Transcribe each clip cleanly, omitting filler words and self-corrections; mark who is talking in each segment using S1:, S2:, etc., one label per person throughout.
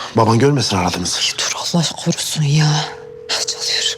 S1: Baban görmesin aradığımızı.
S2: Dur Allah korusun ya. Çalıyor.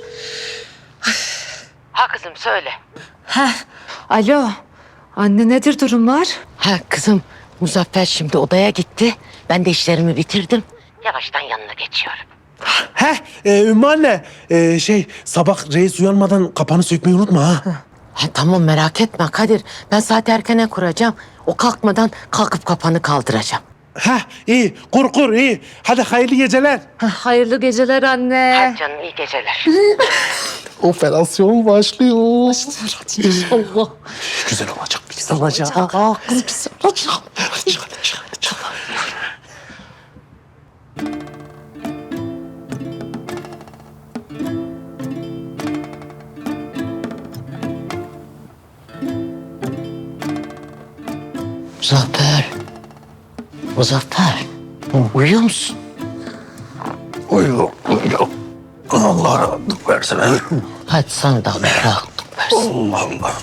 S3: Ha kızım söyle.
S2: Alo. Anne nedir durumlar?
S3: Ha kızım Muzaffer şimdi odaya gitti. Ben de işlerimi bitirdim. Yavaştan yanına geçiyorum.
S1: Ümmü anne. Sabah reis uyanmadan kapanı sökmeyi unutma ha.
S3: Ha, tamam merak etme Kadir. Ben saat erkene kuracağım. O kalkmadan kalkıp kapanı kaldıracağım.
S1: İyi. Kur iyi. Hadi hayırlı geceler.
S2: Hayırlı geceler anne.
S3: Hadi canım iyi geceler.
S1: Operasyon başlıyor.
S2: Allah.
S1: Güzel olacak. Güzel
S2: Olacak. Kız olacak.
S1: olacak.
S3: Muzaffer. Muzaffer. Uyuyor musun?
S1: Uyuyor. Allah rahatlık versin.
S3: Hadi sana da Allah rahatlık versin.
S1: Allah Allah.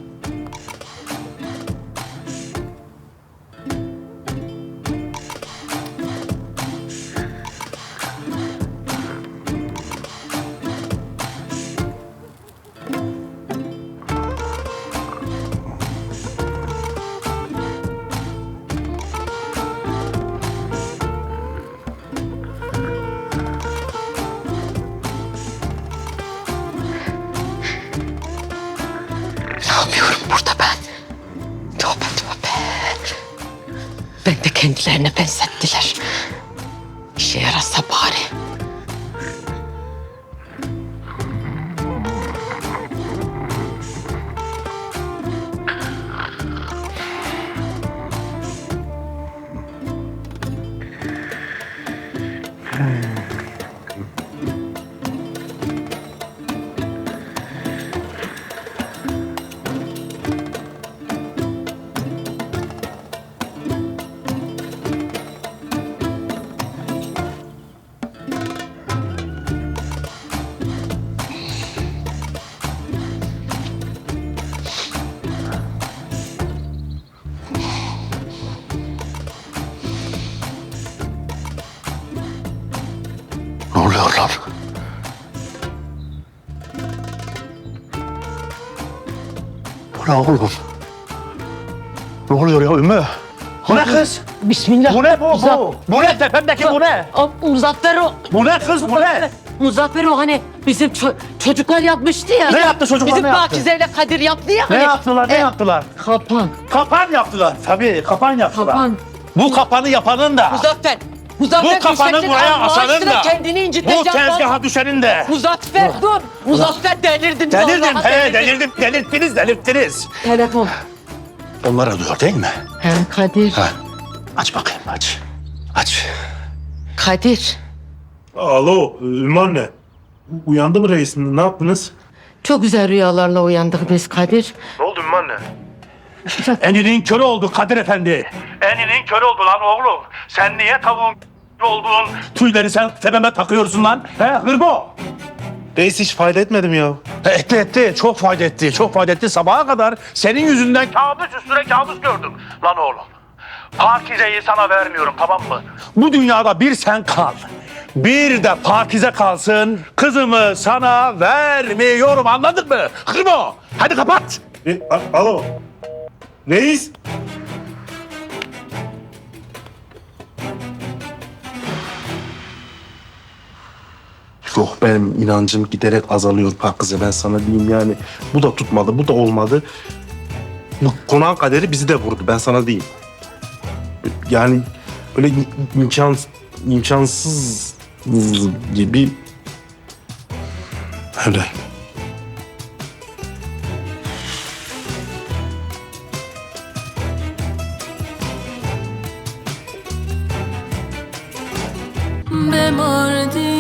S3: Ne yapıyorum burada ben? Tövbe tövbe. Ben de kendilerine benzettiler. İşe yarasa bari.
S1: Ne oluyor lan? Bu ne oğlum? Ne oluyor ya Ümmü?
S4: Bu ne kız?
S3: Bismillah.
S4: Bu ne bu? Bu ne tepemdeki bu ne?
S3: Muzaffer o.
S4: Bu ne kız bu ne?
S3: Muzaffer o hani bizim çocuklar yapmıştı ya.
S4: Ne yaptı çocuklar,
S3: Bizim
S4: ne yaptı?
S3: Pakize ile Kadir yaptı ya.
S4: Ne
S3: hani.
S4: yaptılar ne yaptılar?
S3: Kapan.
S4: Kapan yaptılar. Tabii kapan yaptılar.
S3: Kapan.
S4: Bu kapanı yapanın da.
S3: Muzaffer. Muzaffer
S4: Bu kapanı
S3: düşeceksin,
S4: buraya
S3: Allah
S4: asanın
S3: aşkına
S4: da.
S3: kendini
S4: Bu
S3: inciteceksin.
S4: tezgaha düşenin de.
S3: Muzaffer dur. Muzaffer delirdin.
S4: Delirdim
S3: vallahi
S4: delirdim. Delirttiniz.
S3: Telefon.
S4: Onlar arıyor değil mi?
S3: He Kadir.
S4: Ha. Aç bakayım aç. Aç.
S3: Kadir.
S1: Alo Ümmü anne. Uyandı mı reis? Ne yaptınız?
S3: Çok güzel rüyalarla uyandık biz Kadir.
S1: Ne oldu Ümmü anne?
S4: Eninin körü oldu Kadir Efendi. Eninin körü oldu lan oğlum. Sen niye tavuğun olduğun tüyleri sen tepeme takıyorsun lan? He hırbo.
S1: Reis hiç fayda etmedim ya.
S4: Etti. Çok fayda etti. Çok fayda etti. Sabaha kadar senin yüzünden kabus üstüne kabus gördüm. Lan oğlum. Pakize'yi sana vermiyorum tamam mı? Bu dünyada bir sen kal. Bir de Pakize kalsın. Kızımı sana vermiyorum anladın mı? Hırbo. Hadi kapat.
S1: Alo. Reis. Yok benim inancım giderek azalıyor Pakize, ben sana diyeyim yani. Bu da tutmadı, bu da olmadı. Bu konağın kaderi bizi de vurdu, ben sana diyeyim. Yani böyle imkansız gibi öyle.
S5: به مردی